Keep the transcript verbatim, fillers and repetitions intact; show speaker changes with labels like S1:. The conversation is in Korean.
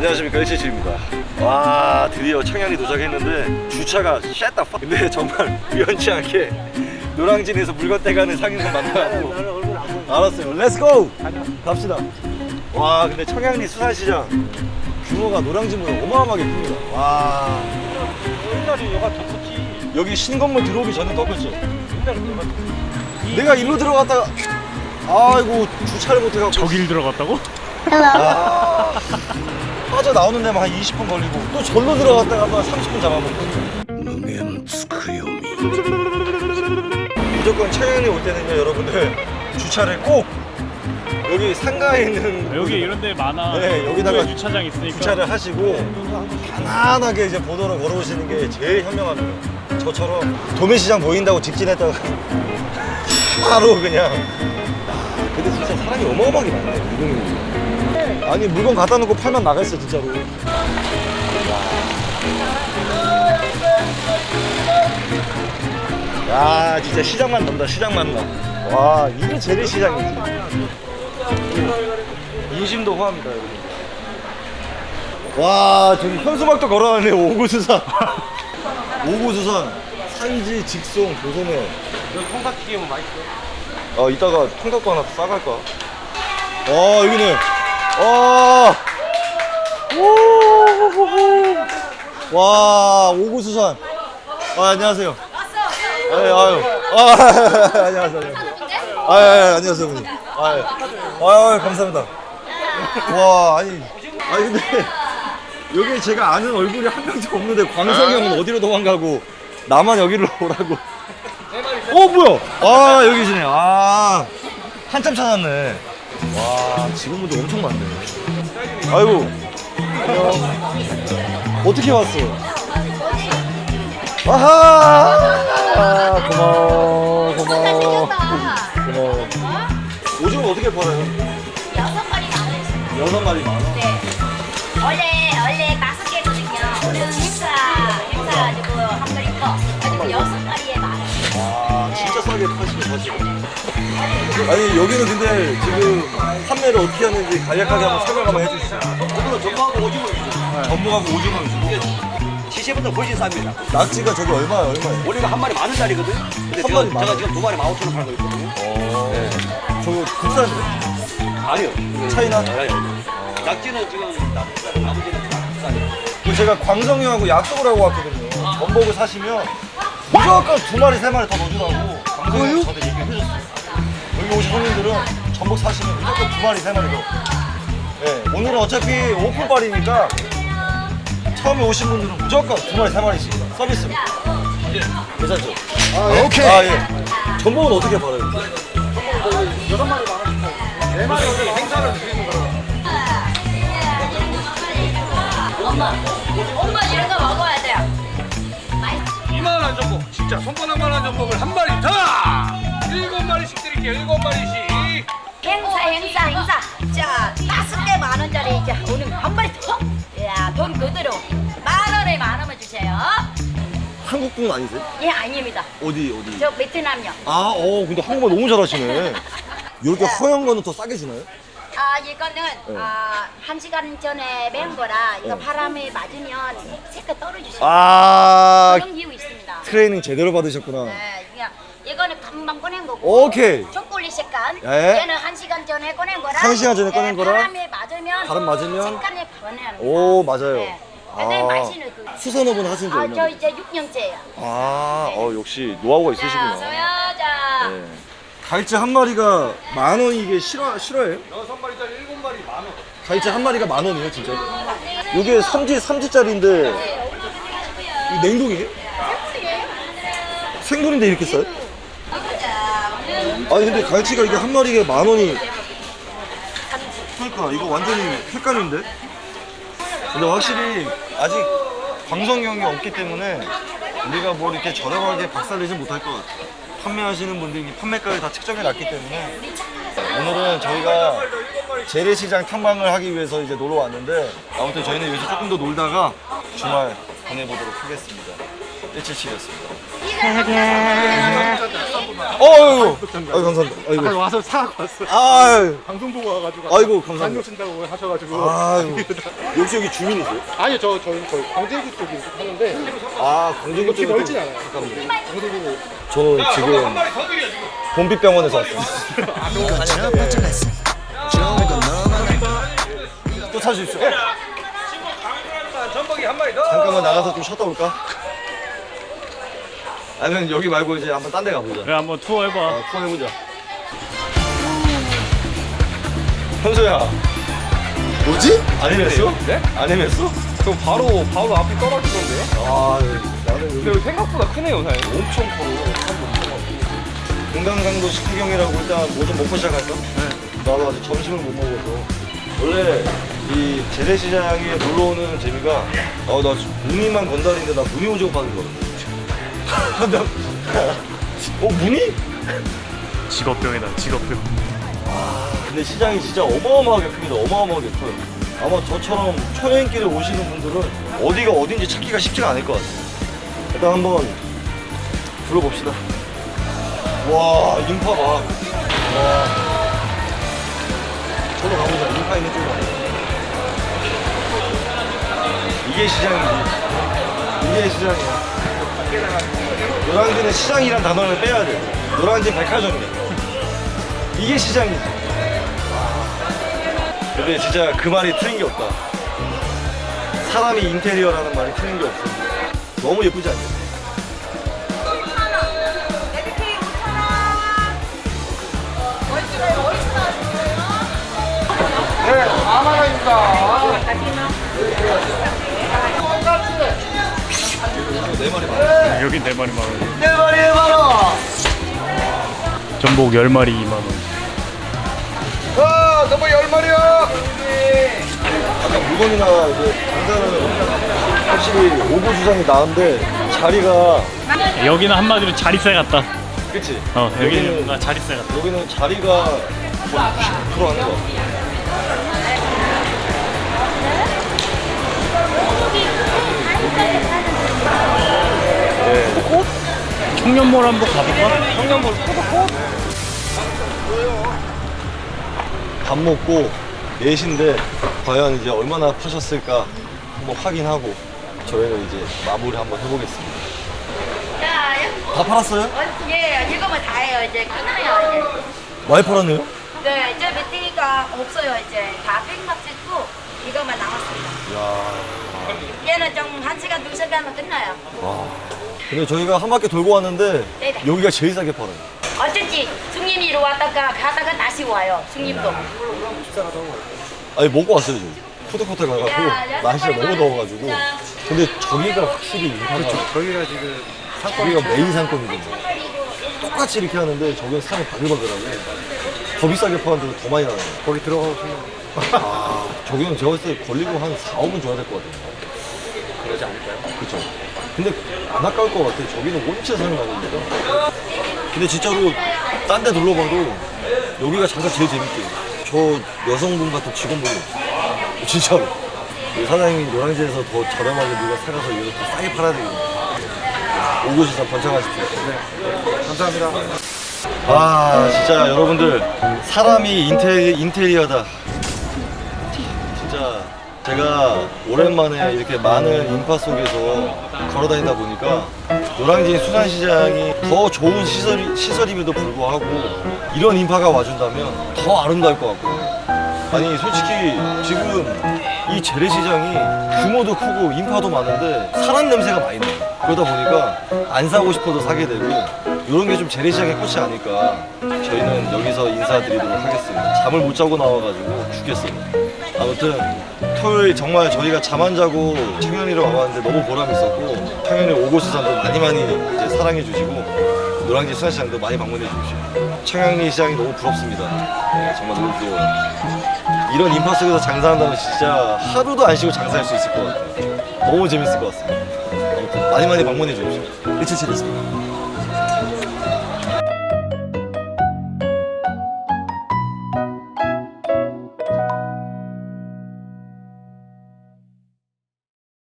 S1: 안녕하십니까, 일칠칠입니다. 와, 드디어 청양리 도착했는데 주차가 쉣다 파. 근데 정말 우연치 않게 노량진에서 물건 떼가는 상인을 만나고 알았어요. 렛츠고! 갑시다. 와, 근데 청양리 수산시장 규모가 노량진보다 어마어마하게 큽니다. 와,
S2: 옛날에 여가 더 컸지.
S1: 여기 신건물 들어오기 전에 더 컸죠?
S2: 옛날에 여가 더 컸지.
S1: 내가 일로 들어갔다가 아이고 주차를 못해갖고
S2: 저길 들어갔다고?
S1: 아, 빠져 나오는 데만 한 이십 분 걸리고 또 절로 들어갔다가 한 삼십 분 잡아먹고. 무조건 청양리 올 때는요, 여러분들 주차를 꼭 여기 상가에 있는
S2: 여기 이런 데 많아.
S1: 네, 여기다가
S2: 주차장 있으니까
S1: 주차를 하시고 편안하게 이제 보도로 걸어오시는 게 제일 현명합니다. 저처럼 도매시장 보인다고 직진했다가 바로 그냥. 근데 진짜 사람이 어마어마하게 많네, 이동이. 아니, 물건 갖다 놓고 팔만 나가있어, 진짜로. 야, 진짜 시장만 돈다, 시장만 나. 와, 이게 재래시장이지. 인심도 호합니다, 여러분. 와, 저기 현수막도 걸어놨네, 오구수산. 오구수산, 산지, 직송, 조선해.
S2: 여기 통닭튀김은 맛있어.
S1: 어, 이따가 통닭도 하나 싸갈까? 어, 여기는, 어, 오, 와, 오구수산. 아, 안녕하세요. 왔어. 아유, 아유. 아, 안녕하세요. 안녕하세요. 아, 아, 안녕하세요, 어머니. 아, 예. 아유, 감사합니다. 와, 아니, 아니, 근데, 여기 제가 아는 얼굴이 한 명도 없는데, 광석이 형은 어디로 도망가고, 나만 여기로 오라고. 어, 뭐야? 아, 여기 계시네. 아, 한참 찾았네. 와, 직원분들 엄청 많네. 아이고, 안녕. 어떻게 왔어? 아하! 아, 고마워, 고마워. 고마워. 오징어 어떻게 팔아요?
S3: 여섯 마리 만 원씩.
S1: 여섯 마리 만 원?
S3: 네. 원래 원래 다섯 개거든요. 오늘 행사 행사 가지고 한 마리 더. 가지고 여섯 마리에 만 원.
S1: 아, 진짜 싸게 파시네, 사실. 아니, 여기는 근데 지금 판매를 어떻게 하는지 간략하게 한번 설명 한번 해주시죠.
S4: 오늘은 전부하고 오징어 위주로.
S1: 전복하고 오징어 위주로.
S4: 시세보다 훨씬 쌉니다.
S1: 낙지가 저기 얼마야, 얼마예요?
S4: 원래가 한 마리 만 원짜리거든. 근데
S1: 한
S4: 제가,
S1: 마리 만
S4: 제가
S1: 원?
S4: 지금 두 마리 만 오천 원 팔고 있거든요.
S1: 어, 네. 저거 국산이에요?
S4: 아니요.
S1: 차이나?
S4: 아니요. 낙지는 지금 낙지살, 아버지는 낙지살이에요.
S1: 그 제가 광성이 형하고 약속을 하고 왔거든요. 전복을 사시면 무조건 두 마리, 세 마리 더 넣어주라고 광성이 형이 저한테 얘기를 해줬어요. 여기 오신 손님들은 전복 사시면 무조건 두 마리, 세 마리 더. 네, 오늘은 어차피 오픈발이니까 처음에 오신 분들은 무조건 두 마리, 세 마리씩 서비스로. 괜찮죠? 아, 오케이. 아, 예. 전복은 어떻게 팔아요?
S2: 여섯 마리 만 원씩 팔고. 네 마리 행사를 드리는 거라.
S3: 엄마, 엄마 이런 거 먹어야 돼요.
S2: 이만한 전복, 진짜 손바닥만한 전복을 한 마리 더! 일곱 마리씩 드릴게요, 일곱 마리씩.
S3: 행사 행사 행사. 자 다섯 개 만 원짜리 이제 오늘 한 마리 더. 야, 돈 그대로 만 원에 만 원만 주세요.
S1: 한국 분 아니세요?
S3: 예, 아닙니다.
S1: 어디, 어디?
S3: 저 베트남요.
S1: 아, 어, 근데 한국말 너무 잘하시네. 이렇게 허연 거는 더 싸게 주나요?
S3: 아, 이거는 아, 한 시간 전에 맨 거라 이거
S1: 네.
S3: 바람에 맞으면 색깔 떨어지셔요.
S1: 아,
S3: 그런 기후 있습니다.
S1: 트레이닝 제대로 받으셨구나.
S3: 네, 그냥 이거는 금방 꺼낸 거고.
S1: 오케이.
S3: 초콜릿 색깔.
S1: 예.
S3: 얘는 한 시간 전에 꺼낸 거라.
S1: 한 시간 전에 꺼낸
S3: 네,
S1: 거라?
S3: 바람에 맞으면.
S1: 바람 맞으면?
S3: 색깔이 변해요.
S1: 오, 맞아요.
S3: 네. 굉장히
S1: 아,
S3: 맛있는 그.
S1: 수산업은 하신 지
S3: 아,
S1: 얼마나
S3: 저
S1: 됐어요?
S3: 이제 육 년째예요.
S1: 아, 어, 역시 노하우가
S3: 자,
S1: 있으시구나.
S3: 소여자.
S1: 네. 갈치 한 마리가 만 원이 이게 실화, 실화예요?
S2: 여섯 마리짜리 일곱 마리 만 원.
S1: 갈치 한 마리가 만 원이에요, 진짜? 이게 삼지, 삼지짜리인데 이 냉동이에요? 생돈인데 이렇게 싸요? 아니 근데 갈치가 이게 한 마리에 만 원이. 그러니까 이거 완전히 헷갈리는데? 근데 확실히 아직 광성경이 없기 때문에 우리가 뭐 이렇게 저렴하게 박살내지 못할 것 같아요. 판매하시는 분들이 판매가를 다 측정해 놨기 때문에 오늘은 저희가 재래시장 탐방을 하기 위해서 이제 놀러 왔는데 아무튼 저희는 여기서 조금 더 놀다가 주말 보내보도록 하겠습니다. 일칠칠이었습니다. 어유, 아유 감사합니다. 아이고.
S5: 와서 사고 왔어.
S1: 아유,
S5: 방송 보고 와가지고.
S1: 아이고 감사합니다.
S5: 안녕 쓴다고 하셔가지고.
S1: 아유, 역시 여기 주민이세요?
S5: 아니요, 저 저희 저희 광대구 쪽에 하는데
S1: 아, 광진구
S5: 이렇게
S1: 쪽에
S5: 멀진
S1: 또-
S5: 않아요.
S1: 잠깐만요. 저는 지금 본빛병원에서 왔어요. 또 찾으십시오.
S2: 전복이 한 마리 더.
S1: 잠깐만 나가서 좀 쉬었다 올까? 아니면 여기 말고 이제 한번 딴 데 가보자.
S6: 그래 한번 투어 해봐.
S1: 어, 투어 해보자. 현수야. 뭐지? 안 헤맸어?
S2: 네?
S1: 안 헤맸어?
S2: 그럼 바로 바로 앞이 떨어지던데요?
S1: 아, 나는 여기
S2: 근데 여기 생각보다 크네요, 사장님.
S1: 엄청 커. 금강강도 식후경이라고 일단 뭐 좀 먹고 시작할까? 네. 나도 아직 점심을 못 먹어서. 원래 이 재래시장에 놀러 오는 재미가 어, 나 무늬만 건달인데 나 무늬 오징어 파는 거거든. 어, 무늬?
S6: 직업병이다 직업병.
S1: 근데 시장이 진짜 어마어마하게 큽니다. 어마어마하게 커요. 아마 저처럼 초행길에 오시는 분들은 어디가 어딘지 찾기가 쉽지가 않을 것 같아요. 일단 한번 둘러봅시다. 와, 인파 봐. 와. 저로 가보자. 인파 있는 쪽으로 가보자. 이게 시장이지. 이게 시장이야. 노량진은 시장이란 단어를 빼야 돼. 노량진 백화점이야. 이게 시장이지. 근데 진짜 그 말이 틀린 게 없다. 사람이 인테리어라는 말이 틀린 게 없어. 너무 예쁘지 않냐?
S5: 네, 만 원입니다.
S1: 네 마리 많아.
S6: 여기 네 마리 만 원.
S1: 네 마리에 만 원.
S6: 전복 열 마리 이만 원.
S2: 아, 너무 열 마리요.
S1: 아까 물건이나 이제 장사는 확실히 오고 주상이 나은데 자리가
S6: 여기는 한마디로 자리세 같다.
S1: 그치?
S6: 어 여기는
S1: 여기는
S6: 뭔가 자리세 같다.
S1: 여기는 자리가 거의 구십 퍼센트 하는 거 같아.
S6: 청년몰 한번 가볼까?
S2: 청년몰 포도꽃.
S1: 밥 먹고 네 시인데 과연 이제 얼마나 파셨을까 한번 확인하고 저희는 이제 마무리 한번 해보겠습니다.
S3: 자,
S1: 다 팔았어요?
S3: 어, 예, 이거면 다예요. 이제 끝나요.
S1: 많이 팔았네요?
S3: 이제. 네, 이제 밑에가 없어요. 이제 다 팩값 찍고 이거만 남았습니다.
S1: 이야.
S3: 얘는 좀 한 시간, 두 시간은 끝나요.
S1: 와. 근데 저희가 한 바퀴 돌고 왔는데
S3: 네네.
S1: 여기가 제일 싸게 팔아요.
S3: 어쩐지 중님이 왔다가 가다가 다시 와요. 중님도.
S1: 아니 먹고 왔어요 지금. 푸드코트 가가지고
S3: 야, 야,
S1: 날씨가 너무
S3: 빨리
S1: 더워가지고.
S3: 자.
S1: 근데 저기가 확실히 인파가
S5: 저희가 지금
S1: 저기가 메인 상권이거든요. 똑같이 이렇게 하는데 저기는 사람이 바글바글하고 더 비싸게 파는데도 더 많이 나와요.
S5: 거기 들어가시면
S1: 아, 저기는 제가 봤을 때 걸리고 한 사, 오분 줘야 될 것 같아요.
S5: 그러지 않을까요?
S1: 그쵸. 근데 안 아까울 것 같아. 저기는 온체 사는 가격이니까. 근데 진짜로 딴 데 둘러봐도 여기가 장사 제일 재밌게. 저 여성분 같은 직원분이 없어. 진짜로. 이 사장님이 노량진에서 더 저렴하게 누가 사가서 여기서 더 싸게 팔아야 되겠네. 오고수산 번창하십시오.
S5: 네, 감사합니다.
S1: 아, 진짜 여러분들 사람이 인테리, 인테리어다. 진짜 제가 오랜만에 이렇게 많은 인파 속에서 걸어다니다 보니까 노량진 수산시장이 더 좋은 시설이, 시설임에도 불구하고 이런 인파가 와준다면 더 아름다울 것 같고. 아니 솔직히 지금 이 재래시장이 규모도 크고 인파도 많은데 사람 냄새가 많이 나요. 그러다 보니까 안 사고 싶어도 사게 되고 이런 게 좀 재래시장의 꽃이 아닐까. 저희는 여기서 인사드리도록 하겠습니다. 잠을 못 자고 나와가지고 죽겠어요. 아무튼 토요일 정말 저희가 잠 안 자고 청년이로 와봤는데 너무 보람 있었고 청년이 오고수산도 많이 많이 이제 사랑해 주시고 노량진 수산시장도 많이 방문해 주십시오. 청양리 시장이 너무 부럽습니다. 네, 정말 너무 부러워요. 이런 인파 속에서 장사한다면 진짜 하루도 안 쉬고 장사할 수 있을 것 같아요. 너무 재밌을 것 같습니다. 아무튼 많이 많이 방문해 주십시오. 일칠칠이었습니다.